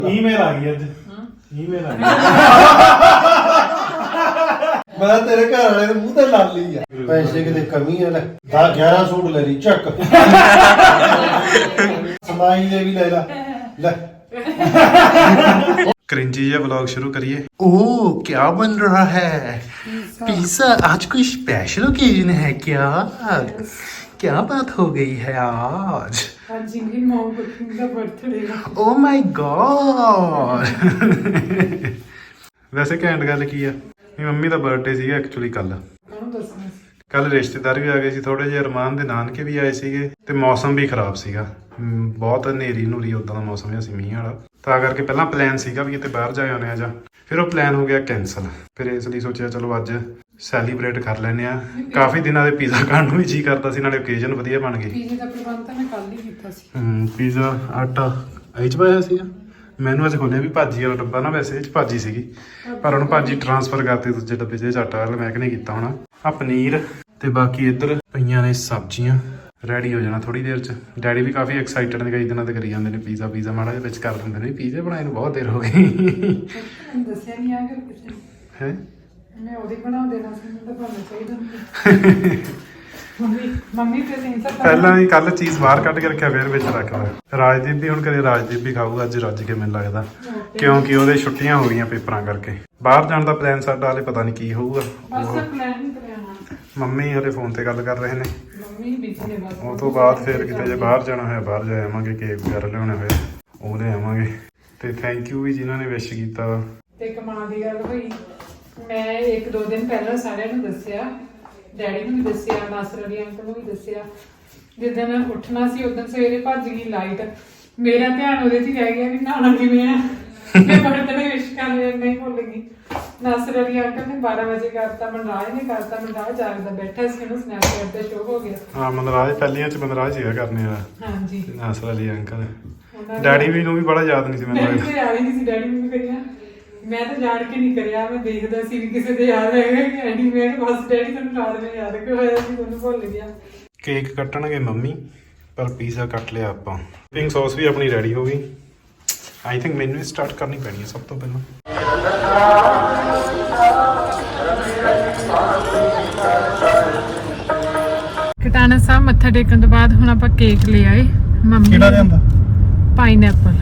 Email आ गई अज email आ गई मैं तेरे घर वाले ने मुंह ते ला ली है पैसे की कमी है ले 11 सूट ले ली चक समाई ले भी ले ला ले क्रिंजी ये व्लॉग शुरू करिए। ओह क्या बन रहा है पिज्जा आज कोई स्पेशल ओकेजन है क्या क्या बात हो गई है आज ओह माय गॉड वैसे घैंट गल की है मेरी मम्मी का बर्थडे ਸੀਗਾ ਐਕਚੁਅਲੀ ਕੱਲ ਰਿਸ਼ਤੇਦਾਰ ਵੀ ਆ ਗਏ ਸੀ ਥੋੜੇ ਜਿਹੇ ਅਰਮਾਨ ਦੇ ਨਾਨਕੇ ਵੀ ਆਏ ਸੀਗੇ ਤੇ ਮੌਸਮ ਵੀ ਖਰਾਬ ਸੀਗਾ ਬਹੁਤ ਹਨੇਰੀ ਨੂਰੀ ਉਦਾਂ ਦਾ ਮੌਸਮ ਸੀ ਮੀਂਹ ਵਾਲਾ ਤਾਂ ਕਰਕੇ ਪਹਿਲਾਂ ਪਲਾਨ ਸੀਗਾ ਵੀ ਕਿਤੇ ਬਾਹਰ ਜਾ ਆਉਣੇ ਆ ਜਾਂ ਫਿਰ ਉਹ ਪਲਾਨ ਹੋ ਗਿਆ ਕੈਂਸਲ ਫਿਰ ਇਸ ਲਈ ਸੋਚਿਆ ਚਲੋ ਅੱਜ ਸੈਲੀਬ੍ਰੇਟ ਕਰ ਲੈਨੇ ਆ ਕਾਫੀ ਦਿਨਾਂ ਦੇ ਪੀਜ਼ਾ ਖਾਣ ਨੂੰ ਵੀ ਜੀ ਕਰਦਾ ਸੀ ਨਾਲੇ ਓਕੇਜ਼ਨ ਵਧੀਆ ਬਣ ਗਈ ਪੀਜ਼ੇ ਦਾ ਪ੍ਰਬੰਧ ਤਾਂ ਮੈਂ ਕੱਲ ਹੀ ਕੀਤਾ ਸੀ ਪੀਜ਼ਾ ਆਟਾ ਇਹ ਚ ਪਾਇਆ ਸੀਗਾ ਮੈਨੂੰ ਅੱਜ ਖੋਲਿਆ ਵੀ ਭਾਜੀ ਵਾਲਾ ਡੱਬਾ ਨਾ ਵੈਸੇ ਇਹ ਚ ਭਾਜੀ ਸੀਗੀ ਪਰ ਉਹਨੂੰ ਭਾਜੀ ਟ੍ਰਾਂਸਫਰ ਕਰਤੀ ਦੂਜੇ ਡੱਬੇ 'ਚ ਆਟਾ ਵਾਲਾ ਮੈਂ ਕਿ ਨਹੀਂ ਕੀਤਾ ਹੋਣਾ ਆ ਪਨੀਰ ਤੇ ਬਾਕੀ ਇੱਧਰ ਪਈਆਂ ਨੇ ਸਬਜ਼ੀਆਂ ਰੈਡੀ ਹੋ ਜਾਣਾ ਥੋੜੀ ਦੇਰ 'ਚ ਡੈਡੀ ਵੀ ਕਾਫੀ ਐਕਸਾਈਟਡ ਨੇ ਕਈ ਦਿਨਾਂ ਤੇ ਕਰੀ ਜਾਂਦੇ ਨੇ ਪੀਜ਼ਾ ਮਾੜਾ ਜਿਹਾ ਵਿੱਚ ਕਰ ਦਿੰਦੇ ਨੇ ਪੀਜ਼ੇ ਬਣਾਏ ਨੂੰ ਬਹੁਤ ਦੇਰ ਹੋ ਗਈ ਦੱਸਿਆ ਨਹੀਂ ਆ ਕਿ ਕਿਸੇ ਹੈ ਮੈਂ ਉਹਦੀ ਬਣਾ ਦੇਣਾ ਸੀ ਮੈਨੂੰ ਤਾਂ ਬਣਨਾ ਚਾਹੀਦਾ ਮੰਮੀ ਤੇ ਨਹੀਂ ਸਰ ਪਹਿਲਾਂ ਹੀ ਕੱਲ ਚੀਜ਼ ਬਾਹਰ ਕੱਢ ਕੇ ਰੱਖਿਆ ਫਿਰ ਵਿੱਚ ਰੱਖਦਾ ਰਾਜਦੀਪ ਵੀ ਹੁਣ ਕਦੇ ਰਾਜਦੀਪ ਵੀ ਖਾਊਗਾ ਅੱਜ ਰੱਜ ਕੇ ਮੈਨੂੰ ਲੱਗਦਾ ਕਿਉਂਕਿ ਉਹਦੇ ਛੁੱਟੀਆਂ ਹੋ ਗਈਆਂ ਪੇਪਰਾਂ ਕਰਕੇ ਬਾਹਰ ਜਾਣ ਦਾ ਪਲਾਨ ਸਾਡਾ ਹਲੇ ਪਤਾ ਨਹੀਂ ਕੀ ਹੋਊਗਾ ਮੰਮੀ ਹਲੇ ਫੋਨ ਤੇ ਗੱਲ ਕਰ ਰਹੇ ਨੇ ਉਹ ਤੋਂ ਬਾਅਦ ਫਿਰ ਕਿਤੇ ਜੇ ਬਾਹਰ ਜਾਣਾ ਹੋਇਆ ਬਾਹਰ ਜਾ ਆਵਾਂਗੇ ਕੇਕ ਵਗੈਰਾ ਲਿਆਉਣੇ ਹੋਏ ਉਹ ਲੈ ਆਵਾਂਗੇ ਤੇ ਥੈਂਕ ਯੂ ਵੀ ਜਿਨ੍ਹਾਂ ਨੇ ਵਿਸ਼ ਕੀਤਾ ਤੇ ਕਮਾਲ ਦੀ ਗੱਲ ਹੋਈ ਮੈਂ 1-2 ਦਿਨ ਪਹਿਲਾਂ ਸਾਰਿਆਂ ਨੂੰ ਦੱਸਿਆ ਡੈਡੀ ਨੂੰ ਵੀ ਦੱਸਿਆ ਨਾਸਰ ਅਲੀ ਅੰਕਲ ਨੂੰ ਵੀ ਦੱਸਿਆ ਜਿੱਦਣ ਉੱਠਣਾ ਸੀ ਉਦੋਂ ਸਵੇਰੇ ਭੱਜ ਗਈ ਲਾਈਟ ਮੇਰਾ ਧਿਆਨ ਉਹਦੇ 'ਚ ਹੀ ਰਹਿ ਗਿਆ ਵੀ ਨਹਾਉਣਾ ਕਿਵੇਂ ਆ ਮੈਂ ਬਰਤਨ ਵਿਸ਼ ਕਰ ਲਿਆ ਨਹੀਂ ਭੁੱਲ ਗਈ ਨਾਸਰ ਅਲੀ ਅੰਕਲ ਨੇ 12 ਵਜੇ ਕਰਤਾ ਮਨਰਾਜ ਨੇ ਕਰਤਾ ਮਨਰਾਜ ਜਾਗਦਾ ਬੈਠਾ ਸੀ ਉਹਨੂੰ ਸਨੈਪਚੈਟ ਤੇ ਸ਼ੋਅ ਹੋ ਗਿਆ ਹਾਂ ਮਨਰਾਜ ਪਹਿਲੀਆਂ 'ਚ ਮਨਰਾਜ ਸੀਗਾ ਕਰਨੇ ਵਾਲਾ ਹਾਂਜੀ ਨਾਸਰ ਅਲੀ ਅੰਕਲ ਡੈਡੀ ਵੀ ਨੂੰ ਵੀ ਬੜਾ ਯਾਦ ਨਹੀਂ ਸੀ ਮੈਨੂੰ ਯਾਦ ਹੀ ਨਹੀਂ ਸੀ ਡੈਡੀ ਨੂੰ ਵੀ ਕਰਿਆ ਮੈਂ ਤਾਂ ਜਾਣ ਕੇ ਨਹੀਂ ਕਰਿਆ ਮੈਂ ਦੇਖਦਾ ਸੀ ਵੀ ਕਿਸੇ ਦੇ ਯਾਦ ਹੈਗਾ ਕਿ ਐਂਡੀ ਮੈਂ ਬਸ ਡੈਡੀ ਤੁਹਾਨੂੰ ਰਾਤ ਨੂੰ ਯਾਦ ਕਰਵਾਇਆ ਸੀ ਤੁਹਾਨੂੰ ਭੁੱਲ ਗਿਆ ਕੇਕ ਕੱਟਣਗੇ ਮੰਮੀ ਪਰ ਪੀਜ਼ਾ ਕੱਟ ਲਿਆ ਆਪਾਂ ਪਿੰਕ ਸੌਸ ਵੀ ਆਪਣੀ ਰੈਡੀ ਹੋ ਗਈ ਆਈ ਥਿੰਕ ਮੈਨੂੰ ਹੀ ਸਟਾਰਟ ਕਰਨੀ ਪੈਣੀ ਹੈ ਸਭ ਤੋਂ ਪਹਿਲਾਂ ਕਟਾਣਾ ਸਾਹਿਬ ਮੱਥਾ ਟੇਕਣ ਤੋਂ ਬਾਅਦ ਹੁਣ ਆਪਾਂ ਕੇਕ ਲੈ ਆਏ ਮੰਮੀ ਕਿਹੜਾ ਲਿਆਂਦਾ ਪਾਈਨਐਪਲ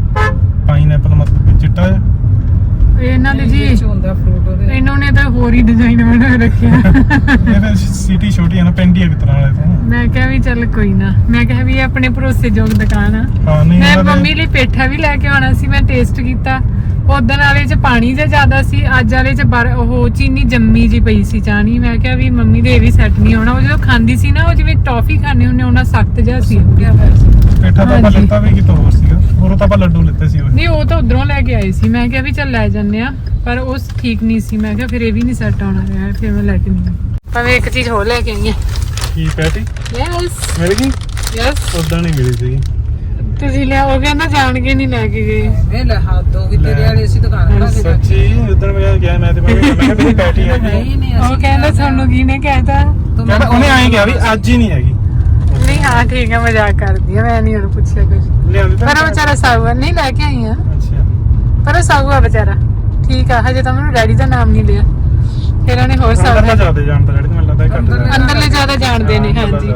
ਮਤਲਬ ਚਿੱਟਾ ਜਿਹਾ ਇਹਨਾਂ ਦੇ ਜੀ ਹੁੰਦਾ ਫਰੂਟ ਉਹਦੇ ਇਹਨਾਂ ਨੇ ਤਾਂ ਹੋਰ ਹੀ ਡਿਜ਼ਾਈਨ ਬਣਾ ਰੱਖਿਆ ਇਹ ਫਿਰ ਸਿਟੀ ਛੋਟੀ ਹੈ ਨਾ ਪਿੰਡੀ ਹੈ ਕਿਤਰਾ ਵਾਲੇ ਤੋਂ ਮੈਂ ਕਿਹਾ ਵੀ ਚੱਲ ਕੋਈ ਨਾ ਮੈਂ ਕਿਹਾ ਵੀ ਆਪਣੇ ਭਰੋਸੇਯੋਗ ਦੁਕਾਨ ਆ ਹਾਂ ਨਹੀਂ ਮੈਂ ਮੰਮੀ ਲਈ ਪੇਠਾ ਵੀ ਲੈ ਕੇ ਆਉਣਾ ਸੀ ਮੈਂ ਟੇਸਟ ਕੀਤਾ ਉਦੋਂ ਵਾਲੇ ਚ ਪਾਣੀ ਜਿਹਾ ਜ਼ਿਆਦਾ ਸੀ ਅੱਜ ਵਾਲੇ ਚ ਉਹ ਚੀਨੀ ਜੰਮੀ ਜੀ ਪਈ ਸੀ ਚਾਣੀ ਮੈਂ ਕਿਹਾ ਵੀ ਮੰਮੀ ਦੇ ਇਹ ਵੀ ਸੈੱਟ ਨਹੀਂ ਹੋਣਾ ਉਹ ਜਦੋਂ ਖਾਂਦੀ ਸੀ ਨਾ ਉਹ ਜਿਵੇਂ ਟੌਫੀ ਖਾਣੇ ਹੁੰਦੇ ਉਹਨਾਂ ਸਖਤ ਜਿਹਾ ਸੀ ਪੇਠਾ ਤਾਂ ਆਪਾਂ ਲਿੱਤਾ ਵੀ ਕਿਤੋਂ ਹੋਰ ਸੀਗਾ ਹੋਰ ਤਾਂ ਆਪਾਂ ਲੱਡੂ ਲਿੱਤੇ ਸੀ ਉਹ ਨਹੀਂ ਉਹ ਤਾਂ ਉਧਰੋਂ ਲੈ ਕੇ ਆਏ ਸੀ ਮੈਂ ਕਿਹਾ ਵੀ ਚੱਲ ਲੈ ਜੰਨੇ ਆ ਪਰ ਉਹ ਠੀਕ ਨਹੀਂ ਸੀ ਮੈਂ ਕਿਹਾ ਫਿਰ ਇਹ ਵੀ ਨਹੀਂ ਸੈੱਟ ਆਉਣਾ ਰਿਹਾ ਫਿਰ ਮੈਂ ਲੈ ਕੇ ਨਹੀਂ ਪਰ ਮੈਂ ਇੱਕ ਚੀਜ਼ ਹੋਰ ਲੈ ਕੇ ਆਈ ਆ ਕੀ ਪੈਟੀ ਯੈਸ ਮਿਲ ਗਈ ਯੈਸ ਉਦਾਂ ਨਹੀਂ ਮਿਲੀ ਸੀ ਤੁਸੀਂ ਲਿਆ ਉਹ ਕਹਿੰਦਾ ਜਾਣ ਕੇ ਨਹੀਂ ਲੈ ਕੇ ਗਏ ਇਹ ਲੈ ਹੱਥ ਹੋ ਗਈ ਤੇਰੇ ਵਾਲੀ ਅਸੀਂ ਦੁਕਾਨ ਖੜਾ ਕੇ ਸੱਚੀ ਉਦੋਂ ਮੈਂ ਗਿਆ ਮੈਂ ਤੇ ਮੈਂ ਕਿਹਾ ਮੇਰੀ ਪੈਟੀ ਹੈਗੀ ਉਹ ਕਹਿੰਦਾ ਤੁਹਾਨੂੰ ਕੀ ਨੇ ਕਹਿਤਾ ਕਹਿੰਦਾ ਉਹਨੇ ਆਏ ਕਿਹਾ ਵੀ ਅੱਜ ਹੀ ਨਹੀਂ ਹੈਗੀ ਨਹੀਂ ਹਾਂ ਠੀਕ ਹੈ ਮਜ਼ਾਕ ਕਰਦੀ ਆ ਮੈਂ ਨਹੀਂ ਉਹਨੂੰ ਪੁੱਛਿਆ ਕੁਝ ਲਿਆਂਦੀ ਤਾਂ ਪਰ ਉਹ ਵਿਚਾਰਾ ਸਾਊਆ ਨਹੀਂ ਲੈ ਕੇ ਆਈ ਆ ਅੱਛਾ ਪਰ ਉਹ ਸਾਊਆ ਵਿਚਾਰਾ ਠੀਕ ਆ ਹਜੇ ਤਾਂ ਮੈਨੂੰ ਡੈਡੀ ਦਾ ਨਾਮ ਨਹੀਂ ਲਿਆ ਫਿਰ ਉਹਨੇ ਹੋਰ ਅੰਦਰ ਸਾਊਆ ਜ਼ਿਆਦਾ ਜਾਣਦਾ ਜਿਹੜੀ ਮੈਨੂੰ ਲੱਗਦਾ ਘੱਟ ਅੰਦਰਲੇ ਜ਼ਿਆਦਾ ਜਾਣਦੇ ਨੇ ਹਾਂਜੀ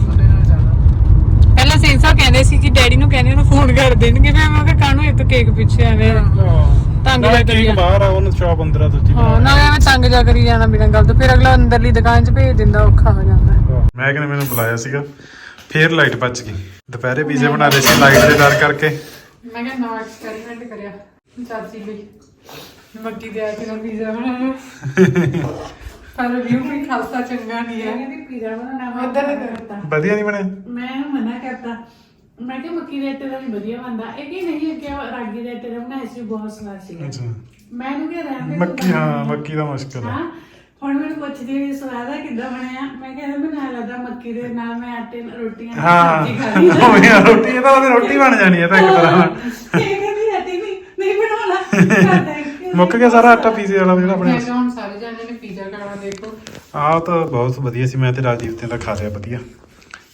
ਪਹਿਲਾਂ ਸੈਂਸਾ ਕਹਿੰਦੇ ਸੀ ਕਿ ਡੈਡੀ ਨੂੰ ਕਹਿੰਦੇ ਉਹਨੂੰ ਫੋਨ ਕਰ ਦੇਣਗੇ ਮੈਂ ਕਿਹਾ ਕਾਹਨੂੰ ਇੱਕ ਕੇਕ ਪਿੱਛੇ ਐਵੇਂ ਤੰਗ ਜਾ ਕਰੀ ਕੇਕ ਬਾਹਰ ਆ ਉਹਨੂੰ ਸ਼ਾਪ ਅੰਦਰ ਆ ਦੂਜੀ ਹਾਂ ਨਾ ਐਵੇਂ ਤੰਗ ਜਾ ਕਰੀ ਜਾਣਾ ਬਿਨਾਂ ਗੱਲ ਤੋਂ ਫਿਰ ਅਗਲਾ ਅੰਦਰਲੀ ਦੁਕਾਨ 'ਚ ਭੇਜ ਦਿੰਦਾ ਔਖਾ ਹੋ ਜਾਂਦਾ ਮੈਂ ਕਿਹਾ ਮੈਨੂੰ ਬੁਲਾਇਆ ਸੀਗਾ ਫੇਰ ਲਾਈਟ ਭੱਜ ਗਈ ਦੁਪਹਿਰੇ ਪੀਜ਼ੇ ਬਣਾ ਰਹੇ ਸੀ ਲਾਈਟ ਦੇ ਡਰ ਕਰਕੇ ਮੈਂ ਕਿਹਾ ਨਵਾਂ ਐਕਸਪੈਰੀਮੈਂਟ ਕਰਿਆ ਚਾਚੀ ਲਈ ਮੱਕੀ ਦੇ ਆਟੇ ਨਾਲ ਪੀਜ਼ਾ ਬਣਾਇਆ ਪਰ ਰਿਵਿਊ ਵੀ ਖਾਸਾ ਚੰਗਾ ਨਹੀਂ ਹੈ ਕਹਿੰਦੀ ਪੀਜ਼ਾ ਬਣਾਉਣਾ ਉਧਰ ਕਰਤਾ ਵਧੀਆ ਨਹੀਂ ਬਣਿਆ ਮੈਂ ਮਨਾ ਕਰਤਾ ਮੈਂ ਕਿਹਾ ਮੱਕੀ ਦੇ ਆਟੇ ਦਾ ਵੀ ਵਧੀਆ ਬਣਦਾ ਇਹ ਕੀ ਨਹੀਂ ਕਿ ਰਾਗੀ ਦੇ ਆਟੇ ਦਾ ਬਣਾਇਆ ਸੀ ਬਹੁਤ ਸਵਾਦ ਸੀਗਾ ਅੱਛਾ ਮੈਂ ਇਹਨੂੰ ਕਿਹਾ ਰਹਿਣ ਦੇ ਮੱਕੀ ਹਾਂ ਮੱਕੀ ਦਾ ਮੁਸ਼ਕਲ ਹੈ ਹਾਂ ਹੁਣ ਮੈਨੂੰ ਪੁੱਛਦੀ ਵੀ ਸਵਾਦ ਆ ਕਿੱਦਾਂ ਬਣਿਆ ਮੈਂ ਕਹਿੰਦਾ ਬਣਾ ਲੱਗਦਾ ਮੱਕੀ ਦੇ ਨਾਲ ਮੈਂ ਆਟੇ ਨਾਲ ਰੋਟੀਆਂ ਹਾਂ ਸਬਜ਼ੀ ਖਾ ਲਈ ਉਹ ਯਾਰ ਰੋਟੀ ਇਹ ਤਾਂ ਉਹਦੀ ਰੋਟੀ ਬਣ ਜਾਣੀ ਹੈ ਤਾਂ ਇੱਕ ਤਰ੍ਹਾਂ ਨਾਲ ਇਹ ਕਹਿੰਦੀ ਆਟੇ ਨਹੀਂ ਬਣਾਉਣਾ ਮੁੱਕ ਗਿਆ ਸਾਰਾ ਆਟਾ ਪੀਜ਼ੇ ਵਾਲਾ ਜਿਹੜਾ ਆਪਣੇ ਹੁਣ ਸਾਰੇ ਜਾਣੇ ਨੇ ਪੀਜ਼ਾ ਖਾਣਾ ਦੇਖੋ ਆਹ ਤਾਂ ਬਹੁਤ ਵਧੀਆ ਸੀ ਮੈਂ ਤੇ ਰਾਜਦੀਪ ਤੇ ਤਾਂ ਖਾ ਲਿਆ ਵਧੀਆ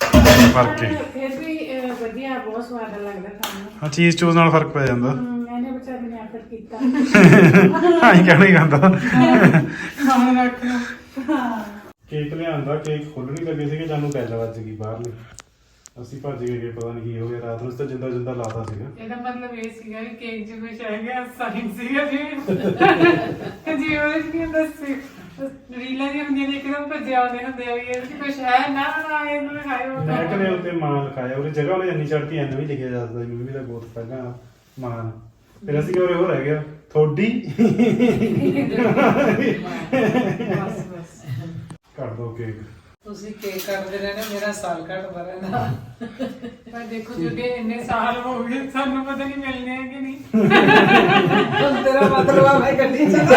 ਫਰਕ ਹੈ ਫਿਰ ਵੀ ਵਧੀਆ ਬਹੁਤ ਸਵਾਦ ਲੱਗਦਾ ਖਾਣ ਨੂੰ ਹਾਂ ਚੀਜ਼ ਚੂਜ਼ ਨਾਲ ਫਰਕ ਪੈ ਜਾਂਦਾ ਇਹਨੇ ਕੱਟ ਕੀਤਾ ਹਾਂ ਹੀ ਕਹਿਣਾ ਹੀ ਆਉਂਦਾ ਖਾਣ ਰੱਖ ਲਓ। ਕੇਕ ਲਿਆਂਦਾ, ਕੇਕ ਖੋਲਣੀ ਲੱਗੇ ਸੀਗੇ, ਜਾਨੂੰ ਬੈਲ ਵੱਜ ਗਈ ਬਾਹਰਲੀ। ਅਸੀਂ ਭੱਜ ਗਏ, ਪਤਾ ਨਹੀਂ ਕੀ ਹੋ ਗਿਆ। ਰਾਤ ਨੂੰ ਤਾਂ ਜਿੰਦਾ ਜਿੰਦਾ ਲਾਤਾ ਸੀਗਾ। ਇਹਦਾ ਮਤਲਬ ਇਹ ਸੀਗਾ ਕਿ ਕੇਕ 'ਚ ਕੁਛ ਹੈਗਾ, ਸਾਇਨ ਸੀਗਾ ਜੀ ਉਹਦੇ 'ਚ ਕੀ ਹੁੰਦਾ ਸੀ, ਰੀਲਾਂ ਦੀਆਂ ਹੁੰਦੀਆਂ ਨੇ, ਇੱਕਦਮ ਭੱਜੇ ਆਉਂਦੇ ਹੁੰਦੇ ਆ ਵੀ ਇਹ 'ਚ ਕੁਛ ਹੈ ਨਾ ਇਹਨੂੰ ਲਿਖਾਇਓ। ਮੈਂ ਕਹਿੰਦੇ ਉੱਤੇ ਮਾਂ ਲਿਖਾਇਆ, ਉਹਦੀ ਜਗ੍ਹਾ ਉਹਨੇ ਇੰਨੀ ਚੜ੍ਹਤੀ ਐਨ ਵੀ ਲਿਖਿਆ ਜਾਂਦਾ ਸੀ, ਮੰਮੀ ਦਾ ਗੋਤ ਪਹਿਲਾਂ ਮਾਂ। ਫਿਰ ਅਸੀਂ ਕਿਹਾ ਉਹ ਰਹਿ ਗਿਆ ਥੋੜੀ। ਬਸ ਬਸ ਕੱਟ ਦੋ ਕੇਕ। ਤੁਸੀਂ ਕੇਕ ਕੱਟਦੇ ਰਹਿਣਾ, ਮੇਰਾ ਸਾਲ ਘਟਦਾ ਰਹਿਣਾ। ਪਰ ਦੇਖੋ ਕਿਉਂਕਿ ਇੰਨੇ ਸਾਲ ਹੋ ਗਏ, ਸਾਨੂੰ ਪਤਾ ਨਹੀਂ ਮਿਲਨੇ ਹੈ ਕਿ ਨਹੀਂ। ਹੁਣ ਤੇਰਾ ਮਤਲਬ ਆ ਮੈਂ ਗੱਡੀ ਚਲਾ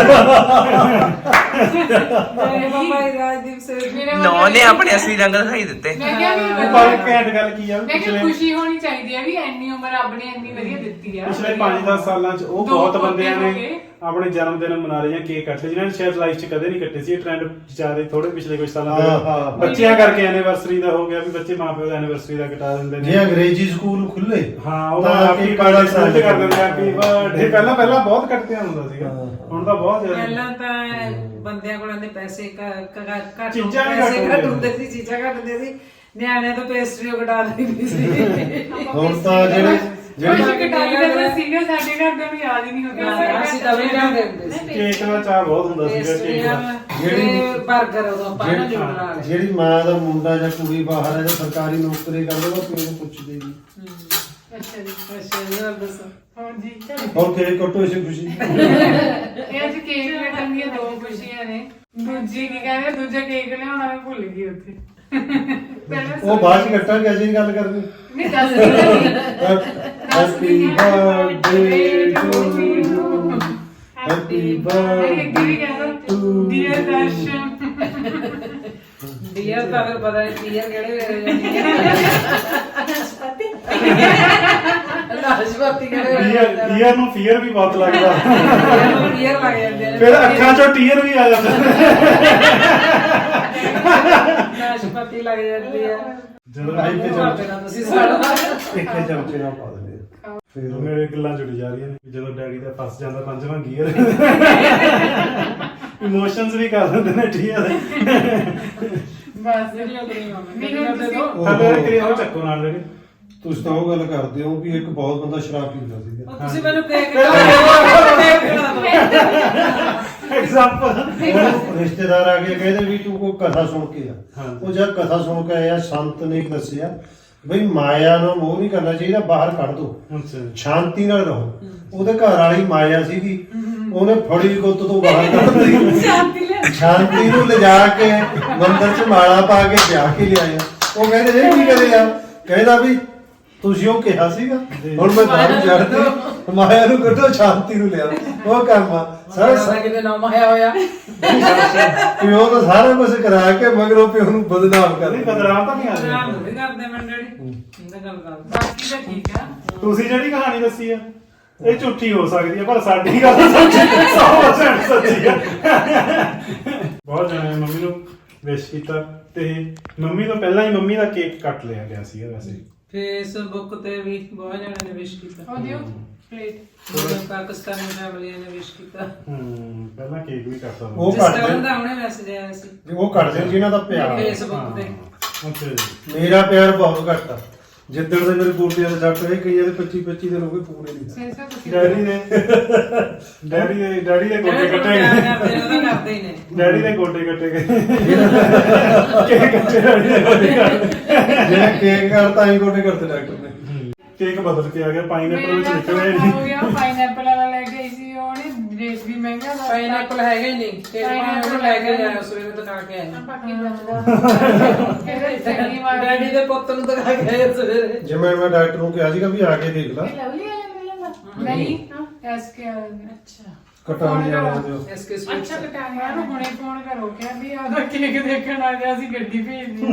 ਮੇਰੇ ਪਾਪਾ ਹੀ ਰਾਜਦੀਪ ਸੇ ਨੌ ਨੇ ਆਪਣੇ ਅਸਲੀ ਰੰਗ ਦਿਖਾਈ ਦਿੱਤੇ। ਮੈਂ ਕਿਹਾ ਵੀ ਪਰ ਘੈਂਟ ਗੱਲ ਕੀ ਆ, ਮੈਂ ਕਿਹਾ ਖੁਸ਼ੀ ਹੋਣੀ ਚਾਹੀਦੀ ਹੈ ਵੀ ਇੰਨੀ ਉਮਰ ਰੱਬ ਨੇ ਇੰਨੀ ਵਧੀਆ ਦਿੱਤੀ ਆ। ਪਿਛਲੇ 5-10 ਸਾਲਾਂ 'ਚ ਉਹ ਦੋ ਬਹੁਤ ਪੋਤੇ ਬੰਦਿਆਂ ਹੋ ਨੇ ਗਏ। ਆਪਣੇ ਜਨਮ ਦਿਨ ਮਨਾ ਰਹੇ ਜਾਂ ਕੇਕ ਕੱਟ ਲਏ, ਜਿਨ੍ਹਾਂ ਨੇ ਸ਼ਾਇਦ ਲਾਈਫ 'ਚ ਕਦੇ ਨਹੀਂ ਕੱਟੇ ਸੀ। ਇਹ ਟ੍ਰੈਂਡ ਜ਼ਿਆਦਾ ਥੋੜੇ ਪਿਛਲੇ ਕੁਝ ਸਾਲਾਂ ਤੋਂ ਬੱਚਿਆਂ ਕਰਕੇ ਐਨੀਵਰਸਰੀ ਦਾ ਹੋ ਗਿਆ ਵੀ ਬੱਚੇ ਮਾਪਿਓ ਦਾ ਐਨੀਵਰਸਰੀ ਦਾ ਕਟਾ ਦਿੰਦੇ ਜੇ ਅੰਗਰੇਜ਼ੀ ਸਕੂਲ ਖੁੱਲੇ ਹਾਂ, ਉਹ ਤਾਂ ਹੈਪੀ ਕੇਕ ਬਰਥਡੇ ਕੱਟ ਕਰ ਦਿੰਦੇ ਹੈਪੀ ਬਰਥਡੇ। ਪਹਿਲਾਂ ਬਹੁਤ ਕੱਟਿਆ ਹੁੰਦਾ ਸੀਗਾ, ਹੁਣ ਤਾਂ ਬਹੁਤ ਜ਼ਿਆਦਾ। ਪਹਿਲਾਂ ਤਾਂ ਬੰਦਿਆਂ ਕੋਲ ਆਂਦੇ ਪੈਸੇ ਘੱਟ ਚੀਜ਼ਾਂ ਵੀ ਪੈਸੇ ਘੱਟ ਘੱਟ ਹੁੰਦੀਆਂ ਹੁੰਦੇ ਸੀ, ਚੀਜ਼ਾਂ ਘੱਟ ਹੁੰਦੀਆਂ ਸੀ, ਨਿਆਣਿਆਂ ਤੋਂ ਪੇਸਟਰੀ ਕਟਾ ਦਿੰਦੀ ਸੀ। ਹੁਣ ਤਾਂ ਜਿਹੜੇ ਕੁਛ ਕਟਾਈ ਦਾ ਸੀਗਾ, ਸਾਡੇ ਘਰ ਦੇ ਨੂੰ ਯਾਦ ਹੀ ਨਹੀਂ ਹੁੰਦਾ। ਅਸੀਂ ਤਾਂ ਵੀ ਲਿਆਉਂਦੇ ਹੁੰਦੇ ਸੀ ਕੇਕ ਦਾ ਚਾਹ ਬਹੁਤ ਹੁੰਦਾ ਸੀਗਾ ਕੇਕ ਪੇਸਟਰੀਆਂ ਦਾ। ਤੇ ਬਰਗਰ ਉਦੋਂ ਆਪਾਂ ਨਾ ਜੋੜ ਲਾ ਲਏ। ਜਿਹੜੀ ਮਾਂ ਦਾ ਮੁੰਡਾ ਜਾਂ ਕੁੜੀ ਬਾਹਰ ਹੈ ਜਾਂ ਸਰਕਾਰੀ ਨੌਕਰੀ ਕਰਦੇ ਉਹ ਪਿਓ ਨੂੰ ਪੁੱਛਦੇ ਜੀ ਅੱਛਾ ਜੀ, ਅੱਛਾ ਜੀ, ਹੋਰ ਦੱਸੋ। ਹੋਰ ਜੀ ਹੋਰ ਕੇਕ ਕੱਟੋ ਇਸੇ ਖੁਸ਼ੀ ਇਹ ਅੱਜ ਕੇਕ ਕੱਟਣ ਦੀਆਂ ਦੋ ਖੁਸ਼ੀਆਂ ਨੇ। ਦੂਜੀ ਕੀ ਕਹਿੰਦੇ, ਦੂਜਾ ਕੇਕ ਲਿਆਉਣਾ ਮੈਂ ਭੁੱਲ ਗਈ ਉੱਥੇ। ਪਹਿਲਾਂ ਉਹ ਬਾਅਦ ਚ ਕੱਟਾਂਗੇ, ਅਸੀਂ ਗੱਲ ਕਰਨੀ। ਨਹੀਂ ਦੱਸ ਨਹੀਂ happy birthday to you, happy birthday to dear Darshan. Dear ਤਾਂ ਫਿਰ ਪਤਾ ਨਹੀਂ ਡੀਅਰ ਕਿਹੜੇ ਵੇਲੇ ਜਾਂਦੀ ਹੈ। ਨਾਸ਼ਪਾਤੀ ਕਿਹੜੇ ਵੇਲੇ ਜਾਂਦੀ ਹੈ। ਈਅਰ ਨੂੰ ਫੀਅਰ ਵੀ ਬਹੁਤ ਲੱਗਦਾ, ਡੀਅਰ ਲੱਗ ਜਾਂਦੇ ਨੇ। ਫਿਰ ਅੱਖਾਂ 'ਚੋਂ ਟੀਅਰ ਵੀ ਆ ਜਾਂਦਾ। ਨਾਸ਼ਪਾਤੀ ਲੱਗ ਜਾਂਦੀ ਹੈ। ਜਦੋਂ ਆਈ ਤੇ ਤੁਸੀਂ ਸਾਡਾ ਇੱਕ ਚਮਚੇ ਨਾਲ ਪਾ ਦਿੰਦੇ ਆ। ਫਿਰ ਮੇਰੇ ਗੱਲਾਂ ਜੁੜੀ ਜਾ ਰਹੀਆਂ ਨੇ, ਜਦੋਂ ਡੈਡੀ ਦਾ ਫਸ ਜਾਂਦਾ 5ਵਾਂ ਗੀਅਰ। ਇਮੋਸ਼ਨਸ ਵੀ ਕਰ ਦਿੰਦੇ ਨੇ ਟੀਅਰ। ਬਸ ਮੈਨੂੰ ਤੁਸੀਂ ਹਲੇ ਕਰੀ ਉਹ ਚੱਕੋ ਨਾਲ ਜਿਹੜੇ ਤੁਸੀਂ ਤਾਂ ਉਹ ਗੱਲ ਕਰਦੇ ਹੋ ਵੀ ਇੱਕ ਬਹੁਤ ਬੰਦਾ ਸ਼ਰਾਬ ਪੀਂਦਾ ਸੀਗਾ। ਤੁਸੀਂ ਮੈਨੂੰ ਕੇਕ ਐਗਜ਼ਾਮਪਲ। ਉਹਨੂੰ ਰਿਸ਼ਤੇਦਾਰ ਆ ਕੇ ਕਹਿੰਦੇ ਵੀ ਤੂੰ ਕੋਈ ਕਥਾ ਸੁਣ ਕੇ ਆ। ਹਾਂਜੀ। ਉਹ ਜਦ ਕਥਾ ਸੁਣ ਕੇ ਆਇਆ, ਸੰਤ ਨੇ ਦੱਸਿਆ ਬਈ ਮਾਇਆ ਨੂੰ ਮੋਹ ਨਹੀਂ ਕਰਨਾ ਚਾਹੀਦਾ, ਬਾਹਰ ਕੱਢ ਦੋ, ਸ਼ਾਂਤੀ ਨਾਲ ਰਹੋ। ਉਹਦੇ ਘਰ ਵਾਲੀ ਮਾਇਆ ਸੀਗੀ, ਉਹਨੇ ਫੜੀ ਗੁੱਤ ਤੋਂ ਬਾਹਰ ਕੱਢਦੀ, ਸ਼ਾਂਤੀ ਨੂੰ ਲਿਜਾ ਕੇ ਮੰਦਿਰ 'ਚ ਮਾਲਾ ਪਾ ਕੇ ਵਿਆਹ ਕੇ ਲਿਆਇਆ। ਉਹ ਕਹਿੰਦੇ ਇਹ ਕੀ ਕਰਿਆ? ਕਹਿੰਦਾ ਵੀ ਤੁਸੀਂ ਉਹ ਕਿਹਾ ਸੀਗਾ, ਹੁਣ ਮੈਂ ਦਾਰੂ ਛੱਡਦੀ, ਮਾਇਆ ਨੂੰ ਕੱਢੋ, ਸ਼ਾਂਤੀ ਨੂੰ ਲਿਆ। ਉਹ ਕੰਮ ਆ ਸਾਰਾ ਕਿਤੇ ਨਾਮ ਆਇਆ ਹੋਇਆ। ਪਿਓ ਤਾਂ ਸਾਰਾ ਕੁਝ ਕਰਾ ਕੇ ਮਗਰੋਂ ਪਿਓ ਨੂੰ ਬਦਨਾਮ ਕਰ ਨਹੀਂ ਬਦਨਾਮ ਤਾਂ ਨਹੀਂ ਆ ਨਾਮ ਰਿਹਾ। ਨਹੀਂ ਕਰਦੇ ਮੈਂ ਡੈਡੀ ਇਹਦਾ ਗੱਲ ਕਰ। ਬਾਕੀ ਤਾਂ ਠੀਕ ਆ। ਤੁਸੀਂ ਜਿਹੜੀ ਕਹਾਣੀ ਦੱਸੀ ਆ ਇਹ ਝੂਠੀ ਹੋ ਸਕਦੀ ਹੈ, ਪਰ ਸਾਡੀ ਗੱਲ ਸੱਚੀ 100% ਸੱਚੀ ਹੈ। ਬਹੁਤ ਜਣੇ ਨੇ ਮੰਮੀ ਨੂੰ ਵਿਸ਼ ਕੀਤਾ ਤੇ ਮੰਮੀ ਤੋਂ ਪਹਿਲਾਂ ਹੀ ਮੰਮੀ ਦਾ ਕੇਕ ਕੱਟ ਲਿਆ ਗਿਆ ਸੀਗਾ ਵੈਸੇ। ਫੇਸਬੁੱਕ ਤੇ ਵੀ ਬਹੁਤ ਜਣਿਆਂ ਨੇ ਵਿਸ਼ ਕੀਤਾ। ਉਹ ਦਿਓ ਪਲੇਟ। ਪਾਕਿਸਤਾਨੀ ਫੈਮਲੀਆਂ ਨੇ ਵਿਸ਼ ਕੀਤਾ। ਪਹਿਲਾਂ ਕੇਕ ਵੀ ਕੱਟਦਾ ਉਹ ਜਿਸ ਕੱਟ ਤਰ੍ਹਾਂ ਦੇ, ਦਾ ਹੁਣੇ ਮੈਸੇਜ ਆਇਆ ਸੀ ਉਹ ਕੱਟਦੇ ਜਿਨ੍ਹਾਂ ਦਾ ਪਿਆਰ। ਫੇਸਬੁੱਕ ਤੇ। ਅੱਛਾ ਜੀ। ਮੇਰਾ ਪਿਆਰ ਬਹੁਤ ਘੱਟ ਆ। ਜਿੱਦਣ ਦੇ ਮੇਰੇ ਗੋਡਿਆਂ ਦੇ ਸੱਟ ਹੋਏ, ਕਈਆਂ ਦੇ 25 ਦਿਨ ਹੋ ਗਏ, ਪੂਰੇ ਨਹੀਂ। ਸੈਂਸਾ ਤੁਸੀਂ ਡੈਡੀ ਦੇ ਗੋਡੇ ਕੱਟੇ ਪਿਆਰ ਗਏ। ਕਰਦੇ ਉਹਦਾ ਕਰਦੇ ਹੀ ਨੇ। ਡੈਡੀ ਦੇ ਗੋਡੇ ਕੱਟੇ ਗਏ। ਕੇਕ ਕੱਟੇ ਡੈਡੀ ਦੇ ਗੋਡੇ ਕੱਟੇ। ਜਿਹੜਾ ਕੇਕ ਕਰਤਾ ਹੀ ਗੋਡੇ ਕਰਤੇ ਡਾਕਟਰ ਨੇ। ਕੇਕ ਬਦਲ ਕੇ ਆ ਗਿਆ, ਪਾਈਨਐਪਲ ਵਿੱਚ ਨਿਕਲਿਆ ਹੀ ਹੋ ਨਹੀਂ। ਗਿਆ ਪਾਈਨਐਪਲ ਵਾਲਾ ਲੈ ਕੇ ਆਈ ਸੀ, ਉਹਨੇ ਰੇਟ ਵੀ ਮਹਿੰਗਾ ਲਾਇਆ। ਪਾਈਨਐਪਲ ਹੈਗਾ ਹੀ ਨਹੀਂ। ਕੇਕ ਪਾਈਨਐਪਲ ਲੈ ਕੇ ਜਾਇਆ ਸਵੇਰੇ ਦਿਖਾ ਕੇ ਆਏ। ਬਾਕੀ ਬਚਦਾ ਕਿਹੜੇ ਚੰਗੀ ਵਾਰ ਡੈਡੀ ਦੇ ਪੁੱਤ ਨੂੰ ਦਿਖਾ ਕੇ ਆਏ ਸਵੇਰੇ। ਜਿਵੇਂ ਮੈਂ ਡਾਕਟਰ ਨੂੰ ਕਿਹਾ ਸੀਗਾ ਵੀ ਆ ਕੇ ਦੇਖ ਲੈ, ਲਵਲੀ ਆ ਜਾਂਦਾ ਨਹੀਂ ਐਸਕੇ ਅੱਛਾ ਕਟਾਉਣੀ ਵਾਲਿਆਂ ਦੇ ਉਹ। ਐਸਕੇ ਸਵੀਟ ਅੱਛਾ ਕਟਾਇਆ ਨੂੰ ਹੁਣੇ ਫੋਨ ਕਰੋ ਕਿ ਵੀ ਆਦਾ ਕੇਕ ਦੇਖਣ ਆ ਗਿਆ ਸੀ, ਗੱਡੀ ਭੇਜਦੀ।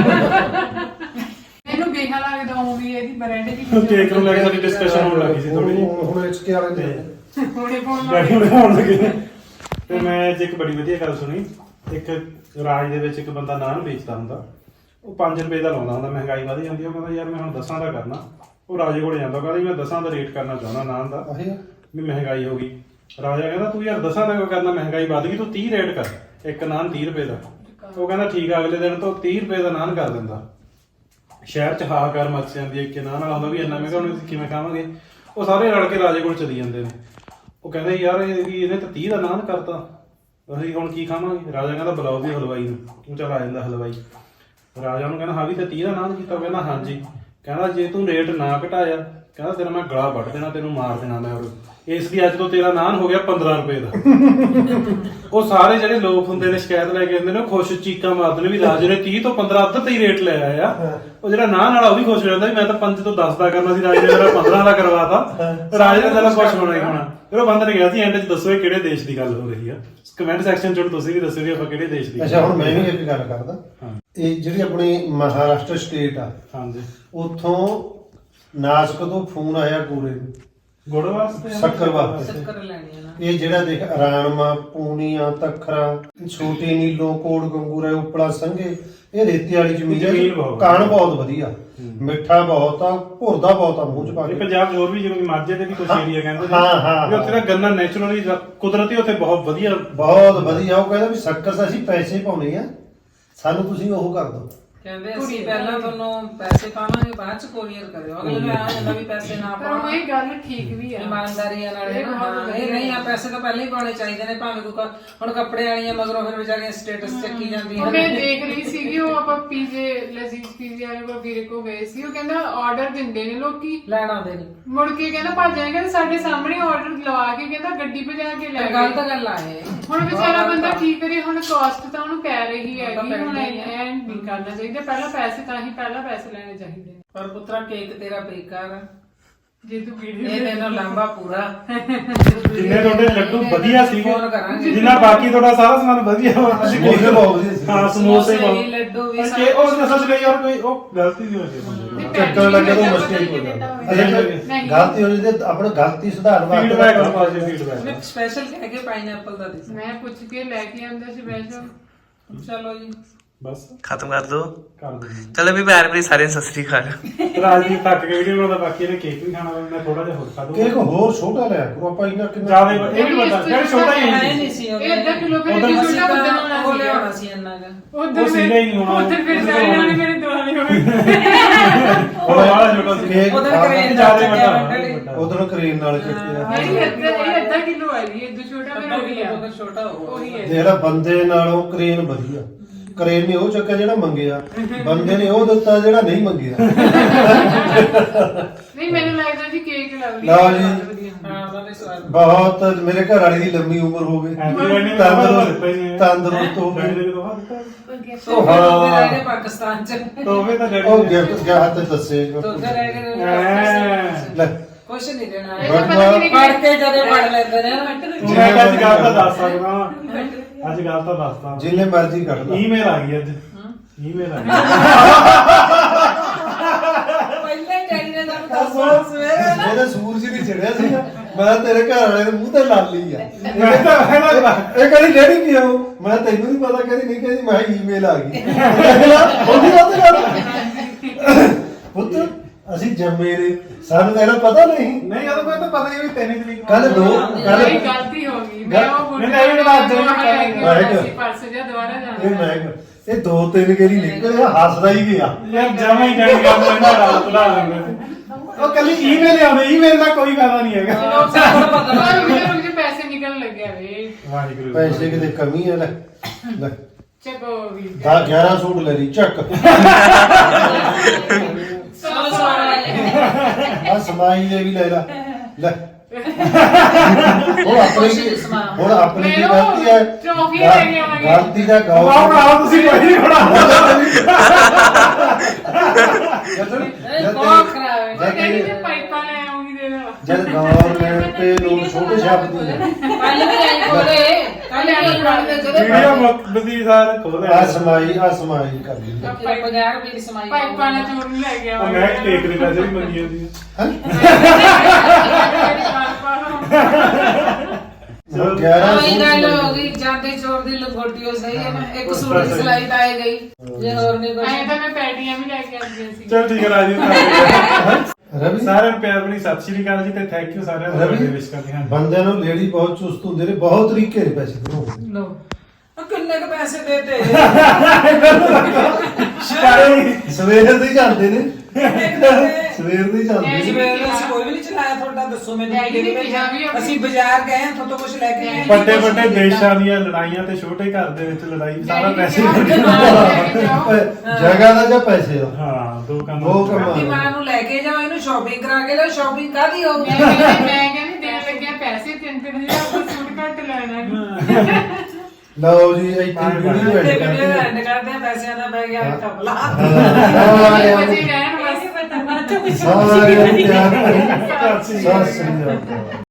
ਮੈਨੂੰ ਬੇਹਾ ਲੱਗਦਾ ਉਹ ਵੀ ਇਹਦੀ ਬ੍ਰਾਂਡ ਦੀ ਕੇਕ ਨੂੰ ਲੈ ਕੇ ਸਾਡੀ ਡਿਸਕਸ਼ਨ ਹੋਣ ਲੱਗੀ ਸੀ ਥੋੜੀ ਜਿਹੀ। ਹੁਣ ਇਸਕੇ ਵਾਲੇ ਨੇ ਹੁਣੇ ਫੋਨ ਡੈਡੀ ਨੂੰ ਹੋਣ ਲੱਗੇ ਤੇ ਮੈਂ ਅੱਜ ਇੱਕ ਬੜੀ ਵਧੀਆ ਗੱਲ ਸੁਣੀ। ਇੱਕ ਰਾਜ ਦੇ ਵਿੱਚ ਇੱਕ ਬੰਦਾ ਨਾਨ ਵੇਚਦਾ ਹੁੰਦਾ, ਉਹ 5 ਰੁਪਏ ਦਾ ਲਾਉਂਦਾ ਹੁੰਦਾ। ਮਹਿੰਗਾਈ ਵਧ ਜਾਂਦੀ, ਉਹ ਕਹਿੰਦਾ ਯਾਰ ਮੈਂ ਹੁਣ 10 ਦਾ ਕਰਨਾ। ਉਹ ਰਾਜੇ ਕੋਲੇ ਜਾਂਦਾ, ਕਹਿੰਦਾ ਮੈਂ 10 ਦਾ ਰੇਟ ਕਰਨਾ ਚਾਹੁੰਦਾ ਨਾਨ ਦਾ। ਵੀ ਮਹਿੰਗਾਈ ਹੋ ਗਈ। ਰਾਜਾ ਕਹਿੰਦਾ ਤੂੰ ਯਾਰ ਦੱਸਾਂ ਤਾਂ ਕਰਨਾ ਮਹਿੰਗਾਈ ਵੱਧ ਗਈ, ਤੂੰ 30 ਰੇਟ ਕਰ, ਇੱਕ ਨਾਨ 30 ਰੁਪਏ ਦਾ। ਉਹ ਕਹਿੰਦਾ ਠੀਕ ਆ, ਅਗਲੇ ਦਿਨ ਤੋਂ 30 ਰੁਪਏ ਦਾ ਨਾਨ ਕਰ ਦਿੰਦਾ। ਸ਼ਹਿਰ 'ਚ ਹਾਹਾਕਾਰ ਮਚ ਜਾਂਦੀ ਹੈ, ਇੱਕ ਨਾਨ ਵਾਲਾ ਹੁੰਦਾ ਵੀ ਇੰਨਾ ਮਹਿੰਗਾ ਹੁਣ ਅਸੀਂ ਕਿਵੇਂ ਖਾਵਾਂਗੇ। ਉਹ ਸਾਰੇ ਰਲ ਕੇ ਰਾਜੇ ਕੋਲ ਚਲੀ ਜਾਂਦੇ ਨੇ। ਉਹ ਕਹਿੰਦੇ ਯਾਰ ਇਹਨੇ ਤਾਂ 30 ਦਾ ਨਾਨ ਕਰਤਾ, ਅਸੀਂ ਹੁਣ ਕੀ ਖਾਵਾਂਗੇ। ਰਾਜਾ ਕਹਿੰਦਾ ਬੁਲਾਓ ਵੀ ਹਲਵਾਈ ਨੂੰ। ਉਹ ਚੱਲ ਆ ਜਾਂਦਾ ਹਲਵਾਈ। ਰਾਜਾ ਨੂੰ ਕਹਿੰਦਾ ਹਾਂ ਵੀ ਤੇ 30 ਦਾ ਨਾਨ ਕੀਤਾ। ਉਹ ਕਹਿੰਦਾ ਹਾਂਜੀ। ਕਹਿੰਦਾ ਜੇ ਤੂੰ ਰੇਟ ਨਾ ਘਟਾਇਆ, ਕਹਿੰਦਾ ਤੇਰਾ ਮੈਂ ਗਲਾ ਵੱਢ ਦੇਣਾ, ਤੈਨੂੰ ਮਾਰ ਦੇਣਾ ਮੈਂ। ਇਸ ਲਈ ਅੱਜ ਤੋਂ ਤੇਰਾ ਨਾਨ ਹੋ ਗਿਆ 15 ਰੁਪਏ ਦਾ। ਉਹ ਸਾਰੇ ਜਿਹੜੇ ਲੋਕ ਹੁੰਦੇ ਨੇ ਸ਼ਿਕਾਇਤ ਲੈ ਕੇ ਆਉਂਦੇ ਨੇ, ਉਹ ਖੁਸ਼ ਚੀਕਾਂ ਮਾਰਦੇ ਨੇ ਵੀ ਰਾਜੇ ਨੇ 30 ਤੋਂ 15 ਅੱਧ ਤੇ ਹੀ ਰੇਟ ਲੈ ਆਇਆ। ਉਹ ਜਿਹੜਾ ਨਾਨ ਵਾਲਾ ਉਹ ਵੀ ਖੁਸ਼ ਹੋ ਜਾਂਦਾ ਵੀ ਮੈਂ ਤਾਂ 5 ਤੋਂ 10 ਦਾ ਕਰਨਾ ਸੀ, ਰਾਜੇ ਨੇ ਮੇਰਾ 15 ਦਾ ਕਰਵਾਤਾ। ਰਾਜੇ ਨੇ ਤਾਂ ਖੁਸ਼ ਹੋਣਾ ਹੀ ਹੋਣਾ। ਫਿਰ ਉਹ ਬੰਦੇ ਨੇ ਕਿਹਾ ਸੀ ਐਂਡ 'ਚ ਦੱਸੋ ਇਹ ਕਿਹੜੇ ਦੇਸ਼ ਦੀ ਗੱਲ ਹੋ ਰਹੀ ਆ। ਕਮੈਂਟ ਸੈਕਸ਼ਨ 'ਚ ਤੁਸੀਂ ਵੀ ਦੱਸੋ ਵੀ ਆਪਾਂ ਕਿਹੜੇ ਦੇਸ਼ ਦੀ। ਅੱਛਾ ਹੁਣ ਮੈਂ ਵੀ ਇੱਕ ਗੱਲ ਕਰਦਾ। ਇਹ ਜਿਹੜੀ ਆਪਣੀ ਮਹਾਰਾਸ਼ਟਰ ਸਟੇਟ ਆ, ਹਾਂਜੀ, ਉੱਥੋਂ ਨਾਸਕ ਤੋਂ ਫੋਨ ਆਇਆ ਗੋਰੇ ਨੂੰ ਗੁੜ ਵਾਸਤੇ, ਸ਼ੱਕਰ ਵਾਸਤੇ। ਸ਼ੱਕਰ ਲੈਣੀ ਹੈ ਨਾ। ਇਹ ਜਿਹੜਾ ਦੇਖ ਰਾਣਮਾ, ਪੂਨੀਆਂ, ਤਖਰਾ, ਛੋਟੀ ਨੀਲੋਂ, ਕੋਟ ਗੰਗੂਰਾ, ਉਪਲਾ ਸੰਘੇ, ਇਹ ਰੇਤੇ ਵਾਲੀ ਜ਼ਮੀਨ ਜ਼ਮੀਨ ਹੈ। ਬਹੁਤ ਕਾਣ ਬਹੁਤ ਵਧੀਆ, ਮਿੱਠਾ ਬਹੁਤ ਆ, ਭੁਰਦਾ ਬਹੁਤ ਆ ਮੂੰਹ ਚ ਪਾ ਇਹ ਕੇ। ਪੰਜਾਬ 'ਚ ਹੋਰ ਵੀ ਜਿਵੇਂ ਮਾਝੇ ਦੇ ਵੀ ਕੁਝ ਏਰੀਆ ਕਹਿੰਦੇ ਨੇ ਹਾਂ। ਵੀ ਉੱਥੇ ਦਾ ਗੰਨਾ ਨੈਚੁਰਲੀ ਕੁਦਰਤੀ ਉੱਥੇ ਬਹੁਤ ਵਧੀਆ। ਬਹੁਤ ਵਧੀਆ। ਉਹ ਕਹਿੰਦਾ ਵੀ ਸ਼ੱਕਰ ਅਸੀਂ ਪੈਸੇ ਪਾਉਣੇ ਆ, ਸਾਨੂੰ ਤੁਸੀਂ ਉਹ ਕਰ ਦਿਓ। ਕਹਿੰਦੇ ਅਸੀਂ ਪਹਿਲਾਂ ਤੁਹਾਨੂੰ ਪੈਸੇ ਪਾਵਾਂਗੇ, ਬਾਅਦ ਚ ਕੋਰੀਅਰ ਕਰਿਓ। ਅਗਲੇ ਨੂੰ ਆ ਹੁੰਦਾ ਵੀ ਪੈਸੇ ਨਾ ਪਰ ਉਹ ਪਾਉਣ। ਇਹ ਗੱਲ ਠੀਕ ਵੀ ਆ। ਇਮਾਨਦਾਰੀ ਨਾਲ ਇਹ ਬਹੁਤ ਹਾਂ, ਇਹ ਨਹੀਂ ਆ ਪੈਸੇ ਤਾਂ ਪਹਿਲਾਂ ਹੀ ਪਾਉਣੇ ਚਾਹੀਦੇ ਨੇ। ਭਾਵੇਂ ਕੋਈ ਹੁਣ ਕੱਪੜੇ ਵਾਲੀਆਂ ਮਗਰੋਂ ਫਿਰ ਵਿਚਾਰੀਆਂ ਸਟੇਟਸ ਚੱਕੀ ਜਾਂਦੀਆਂ ਉਹ ਮੈਂ ਦੇਖ ਰਹੀ ਸੀਗੀ, ਉਹ ਆਪਾਂ ਪੀਜੇ ਲਜ਼ੀਜ਼ ਪੀਜੇ ਵਾਲੇ ਕੋਲ ਵੀਰੇ ਕੋ ਗਏ ਸੀ। ਉਹ ਕਹਿੰਦਾ ਆਰਡਰ ਦਿੰਦੇ ਨੇ ਲੋਕੀ, ਲੈਣ ਆਉਂਦੇ ਨੇ। ਮੁੜ ਕੇ ਕਹਿੰਦਾ ਭੱਜ ਜਾਏ, ਕਹਿੰਦਾ ਸਾਡੇ ਸਾਹਮਣੇ ਆਰਡਰ ਲਵਾ ਕੇ ਕਹਿੰਦਾ ਗੱਡੀ ਭਜਾ ਕੇ ਲੈ ਗੱਲ ਗਏ। ਤਾਂ ਗੱਲ ਆਏ ਹੁਣ ਵਿਚਾਰਾ ਬੰਦਾ ਕੀ ਕਰੇ, ਹੁਣ ਕਾਸਟ ਤਾਂ ਉਹਨੂੰ ਪੈ ਰਹੀ ਹੈਗੀ। ਹੁਣ ਐ ਨਹੀਂ ਕਰਨਾ ਚਾਹੀਦਾ, ਪਹਿਲਾਂ ਪੈਸੇ ਤਾਂ ਹੀ ਪਹਿਲਾਂ ਪੈਸੇ ਲੈਣੇ ਚਾਹੀਦੇ ਨੇ। ਪਰ ਪੁੱਤਰਾ ਕੇਕ ਤੇਰਾ ਬੇਕਾਰ ਆ। ਜੇ ਤੂੰ ਵੀਡੀਓ ਇਹ ਤੈਨੂੰ ਲੰਬਾ ਪੂਰਾ ਜਿੰਨੇ ਤੁਹਾਡੇ ਲੱਡੂ ਵਧੀਆ ਸੀਗੇ, ਫੋਨ ਕਰਾਂਗੇ। ਜਿੰਨਾ ਬਾਕੀ ਤੁਹਾਡਾ ਸਾਰਾ ਸਮਾਨ ਵਧੀਆ ਵਾ। ਅਸੀਂ ਸਮੋਸੇ ਬਹੁਤ ਵਧੀਆ ਸੀ। ਹਾਂ, ਸਮੋਸੇ ਵੀ, ਬਹੁਤ। ਲੱਡੂ ਵੀ ਕਿ ਉਹ ਸੱਚ ਲਈ ਯਾਰ ਕੋਈ ਉਹ ਗਲਤੀ ਵੀ ਹੋ ਗਈ। ਚੱਕਰ ਲੱਗੇ ਤਾਂ ਮੁਸ਼ਕਿਲ ਹੋ ਜਾਂਦਾ। ਨਹੀਂ। ਗਲਤੀ ਹੋ ਜਾਂਦੀ ਤੇ ਆਪਣਾ ਗਲਤੀ ਸੁਧਾਰਨ ਫੀਡਬੈਕ ਵਾਸਤੇ ਪਾਸੇ ਫੀਡਬੈਕ। ਮੈਂ ਸਪੈਸ਼ਲ ਕਹਿ ਕੇ ਪਾਈਨਐਪਲ ਦਾ ਦਿੱਤਾ। ਮੈਂ ਪੁੱਛ ਕੇ ਲੈ ਕੇ ਆਂਦਾ ਸੀ ਵੈਸੇ। ਚਲੋ ਜੀ ਬਸ ਖਤਮ ਕਰ ਦੋ। ਕਰ ਦਿੰਦੇ ਚਲੋ ਵੀ ਪਿਆਰ ਭਰੀ ਸਾਰਿਆਂ ਨੂੰ ਸਤਿ ਸ੍ਰੀ ਅਕਾਲ। ਰਾਜਦੀਪ ਥੱਕ ਕੇ ਵੀਡੀਓ ਬਣਾਉਂਦਾ, ਬਾਕੀ ਇਹਨੇ ਕੇਕ ਵੀ ਖਾਣਾ ਵਾ, ਮੈਂ ਥੋੜਾ ਜਿਹਾ ਹੋਰ ਖਾ ਦੂੰਗਾ। ਕੇਕ ਹੋਰ ਛੋਟਾ ਲਿਆ ਕਰੋ ਆਪਾਂ ਇੰਨਾ ਕਿੰਨਾ ਜ਼ਿਆਦਾ ਇਹ ਵੀ ਵੱਡਾ ਫਿਰ ਛੋਟਾ ਹੀ ਹੈ ਹੈ। ਨਹੀਂ ਸੀ ਇਹ ਅੱਧਾ ਕਿਲੋ ਫਿਰ ਉਦੋਂ ਛੋਟਾ ਅਸੀਂ ਬੰਦਾ ਤਾਂ ਹੋਣਾ ਉਹ ਸੀ। ਲਿਆਉਣਾ ਸੀ ਇੰਨਾ ਕੁ। ਉਧਰ ਸੀਗਾ ਹੀ ਨਹੀਂ ਹੋਣਾ। ਉਧਰ ਫਿਰ ਸਾਰੇ ਜਾਣੇ ਮੇਰੇ ਦੁਆਲੇ ਹੋਏ। ਉਹ ਬੜਾ ਛੋਟਾ ਸੀ। ਕੇਕ ਉਹਦਾ ਖਾ ਕਰੇਨ ਜ਼ਿਆਦਾ ਚੱਕਿਆ ਵੱਡਾ। ਉਧਰੋਂ ਕਰੇਨ ਨਾਲ ਚੱਕਿਆ। ਇਹ ਅੱਧਾ ਕਿਲੋ ਆ ਜੀ, ਇਹ ਛੋਟਾ ਫਿਰ ਹੋ ਗਿਆ। ਉਹਦਾ ਛੋਟਾ ਹੋਊਗਾ। ਉਹੀ ਹੈ। ਜਿਹੜਾ ਬੰਦੇ ਨਾਲੋਂ ਕਰੇਨ ਵਧੀਆ। ਕਰੇਨ ਨੇ ਉਹ ਚੱਕਿਆ ਜਿਹੜਾ ਮੰਗਿਆ, ਬੰਦੇ ਨੇ ਉਹ ਦਿੱਤਾ ਜਿਹੜਾ ਨਹੀਂ ਮੰਗਿਆ। ਨਹੀਂ ਮੈਨੂੰ ਲੱਗਦਾ ਜੀ ਕੇਕ ਲਵਲੀ ਲਓ ਜੀ। ਹਾਂ ਉਹਦਾ ਵੀ ਸਵਾਦ। ਬਹੁਤ ਮੇਰੇ ਘਰ ਵਾਲੀ ਦੀ ਲੰਮੀ ਉਮਰ ਹੋਵੇ, ਤੰਦਰੁਸਤ ਹੋਵੇ। ਉਹ ਹਾਂ ਰਹਿ ਗਏ ਪਾਕਿਸਤਾਨ ਚ। ਤੋਹਫੇ ਤਾਂ ਡੈਡੀ ਉਹ ਨੇ- ਗਿਫਟ ਗਿਆ ਤੇ ਦੱਸੇ ਤੋਂ ਰਹਿ ਗਏ ਲੈ ਕੁਛ ਨਹੀਂ ਦੇਣਾ। ਇਹ ਤਾਂ ਪਤਾ ਨਹੀਂ ਫੜ ਕੇ ਜਦੋਂ ਫੜ ਲੈਂਦੇ ਨੇ ਮੈਂ ਕਿਹਾ ਅੱਜ ਗੱਲ ਤਾਂ ਦੱਸ ਸਕਦਾ ਵਾਂ। ਅੱਜ ਗੱਲ ਤਾਂ ਦੱਸਦਾ। ਜਿੰਨੇ ਮਰਜ਼ੀ ਕੱਢ ਲਾ। ਈਮੇਲ ਆ ਗਈ ਅੱਜ। ਈਮੇਲ ਆ ਗਈ। ਪਹਿਲਾਂ ਹੀ ਡੈਡੀ ਨੇ ਸਾਨੂੰ ਦੱਸਣਾ ਸਵੇਰੇ ਨਾ। ਇਹਦਾ ਸੂਰਜ ਨਹੀਂ ਚੜਿਆ ਸੀਗਾ। ਮੈਂ ਤੇਰੇ ਘਰ ਵਾਲੇ ਦੇ ਮੂੰਹ ਤੇ ਲਾਲੀ ਆ। ਮੈਂ ਤਾਂ ਇਹ ਕਹਿੰਦੀ ਡੈਡੀ ਕੀ ਆਉ? ਮੈਂ ਤੈਨੂੰ ਨਹੀਂ ਪਤਾ, ਕਹਿੰਦੀ ਨਹੀਂ, ਕਹਿੰਦੀ ਮੈਂ ਈਮੇਲ ਆ ਗਈ। ਉਹਦੀ ਬਾਤ ਕਰ ਪੁੱਤ ਅਸੀਂ ਜੰਮੇ ਨੇ, ਸਾਨੂੰ ਇਹਦਾ ਪਤਾ ਨਹੀਂ। ਨਹੀਂ ਉਹ ਤਾਂ ਪਤਾ ਹੀ ਵੀ 3 ਤਰੀਕ ਨੂੰ। ਕੱਲ ਦੋ ਨਹੀਂ ਗਲਤੀ ਹੋ ਗਈ। ਮੈਂ ਉਹ ਬੁੱਢੇ ਨਹੀਂ, ਇਹ ਬਾਤ ਜ਼ਰੂਰ ਕਰਾਂਗੇ। ਪਰਸ ਜਾਂ ਦੁਬਾਰਾ ਇਹ ਜਾਣਾ। ਮੈਂ ਇਹ 2-3 ਗੇਰੀ ਨਿਕਲਿਆ, ਹੱਸਦਾ ਹੀ ਗਿਆ। ਯਾਰ ਜਮਾ ਹੀ ਡੈਡੀ ਕੰਮ ਇਹਨਾਂ ਨਾਲ ਬੁਲਾ ਲੈਂਦੇ ਨੇ। ਉਹ ਕੱਲੀ ਈਮੇਲ ਆਉਂਦੇ, ਈਮੇਲ ਦਾ ਕੋਈ ਫਾਇਦਾ ਨਹੀਂ ਹੈਗਾ। ਰੁਕ ਜਾ ਪੈਸੇ ਨਿਕਲਣ ਲੱਗਿਆ ਵੇ। ਵਾਹਿਗੁਰੂ। ਪੈਸੇ ਕਿਤੇ ਕਮੀ ਹੈ। ਲੈ ਚੱਕੋ ਵੀ 11 ਸੂਟ ਲੈ ਲਈ ਚੱਕ। ਆ ਸਮਾਈ ਦੇ ਵੀ ਲੈ ਲਾ ਲੈ। ਹੁਣ ਆਪਣੀ ਕੀ ਗਲਤੀ ਹੈ? ਟਰੋਫੀ ਲੈ ਕੇ ਆਵਾਂਗੇ। ਗਲਤੀ ਦਾ ਆਓ ਗੌਰ ਬਣਾਓ ਤੁਸੀਂ ਕੋਈ ਨਹੀਂ ਬਣਾਓ। ਬਹੁਤ ਖਰਾਬ ਹੈ। ਉਹ ਕਹਿੰਦੀ ਮੈਂ ਪਾਈਪਾਂ ਲੈ ਆਉਂਗੀ ਦੇ ਨਾਲ। ਜਦ ਗਵਰਨਮੈਂਟ ਤੇ ਲੋਕ ਛੋਟੇ ਸ਼ਬਦ ਨੇ। ਕੱਲ ਵੀ ਆਈ ਕੋਲੇ ਕੱਲ ਆਈ ਕੋਲੇ ਜਦੋਂ ਵੀਡੀਓ ਮੁੱਕਦੀ ਸਾਰ ਖੋਲੇ। ਆ ਸਮਾਈ ਕਰ ਲਈ। 50 ਰੁਪਏ ਦੀ ਸਮਾਈ ਪਾਈਪਾਂ ਨਾਲ ਚੋਰ ਨੂੰ ਲੈ ਕੇ ਉਹ ਆਵਾਂਗੇ। ਮੈਂ ਕੇਕ ਦੇ ਪੈਸੇ ਵੀ ਮੰਗੀ ਜਾਂਦੀ ਹੈ। ਹੁਣ 11 ਉਹੀ ਗੱਲ ਹੋ ਸੂਟ ਗਈ, ਜਾਂਦੇ ਚੋਰ ਦੀ ਲੰਗੋਟੀ ਹੋ ਸਹੀ ਹੈ ਨਾ। ਇੱਕ ਸੂਟ ਦੀ ਸਿਲਾਈ ਤਾਂ ਆਏ ਗਈ, ਜੇ ਹੋਰ ਨਹੀਂ ਕੁਝ। ਐਂ ਤਾਂ ਮੈਂ ਪੈਟੀਆਂ ਵੀ ਲੈ ਕੇ ਆਉਂਦੀਆਂ ਸੀ। ਚਲ ਠੀਕ ਹੈ ਰਾਜੀ। ਰਵੀ ਸਾਰਿਆਂ ਨੂੰ ਪਿਆਰ ਭਰੀ ਸਤਿ ਸ਼੍ਰੀ ਅਕਾਲ ਜੀ ਤੇ ਥੈਂਕ ਯੂ ਸਾਰਿਆਂ ਨੂੰ ਬਰਥਡੇ ਵਿਸ਼ ਕਰਦੇ ਹਾਂ। ਬੰਦਿਆਂ ਨੂੰ ਲੇਡੀ ਬਹੁਤ ਚੁਸਤ ਹੁੰਦੇ ਨੇ, ਬਹੁਤ ਤਰੀਕੇ ਦੇ ਪੈਸੇ ਬਣਾਉਂਦੇ ਲੋ ਕਿੰਨੇ ਕ ਪੈਸੇ ਦੇਤੇ ਸਵੇਰ ਦੇ ਹੀ ਜਾਂਦੇ ਨੇ, ਸਵੇਰ ਸਵੇਰ ਦੇ ਹੀ ਜਾਂਦੇ ਨੇ। ਨੂੰ ਅਸੀਂ ਕੋਈ ਵੀ ਨਹੀਂ ਚਲਾਇਆ ਤੁਹਾਡਾ, ਦੱਸੋ ਮੈਨੂੰ ਡੈਡੀ ਨੇ ਕਿਹਦੇ ਕਿਹਾ ਵੀ ਵਿੱਚ ਆਪਣੀ- ਅਸੀਂ ਬਾਜ਼ਾਰ ਗਏ ਹਾਂ ਤੁਹਾਡੇ ਤੋਂ ਕੁਝ ਲੈ ਕੇ ਆਏ ਵੱਡੇ ਵੱਡੇ ਦੇਸ਼ਾਂ ਦੀਆਂ ਲੜਾਈਆਂ ਤੇ ਛੋਟੇ ਘਰ ਦੇ ਵਿੱਚ ਲੜਾਈ ਸਾਰਾ ਪੈਸੇ ਜਗ੍ਹਾ ਦਾ ਜਾਂ ਪੈਸੇ ਦਾ। ਹਾਂ ਦੋ ਕੰਮ ਦੋ ਕੰਮ। ਆਪਣੀ ਮਾਂ ਨੂੰ ਲੈ ਕੇ ਜਾਓ, ਇਹਨੂੰ ਸ਼ਾਪਿੰਗ ਕਰਾ ਕੇ ਲਿਆਓ। ਸ਼ਾਪਿੰਗ ਕਾਹਦੀ ਹੋਊਗੀ? ਮੈਂ ਕਹਿੰਦੀ ਦੇਣ ਲੱਗਿਆ ਪੈਸੇ 3-3000 ਦਾ ਸੂਟ ਘੱਟ ਲੈਣਾ। ਲਓ ਜੀ ਇੱਥੇ ਵੀਡੀਓ ਤੇ ਐਡ ਵੀਡੀਓ ਕਰਦੇ ਐਂਡ ਕਰਦੇ ਆ, ਪੈਸਿਆਂ ਦਾ ਪੈ ਗਿਆ ਟਪਲਾ। ਹਾਂ ਬਚੇ ਰਹਿਣ ਬਸ ਸਾਰਿਆਂ ਨੂੰ ਪਿਆਰ ਭਰੀ ਸਤਿ ਸ੍ਰੀ ਅਕਾਲ।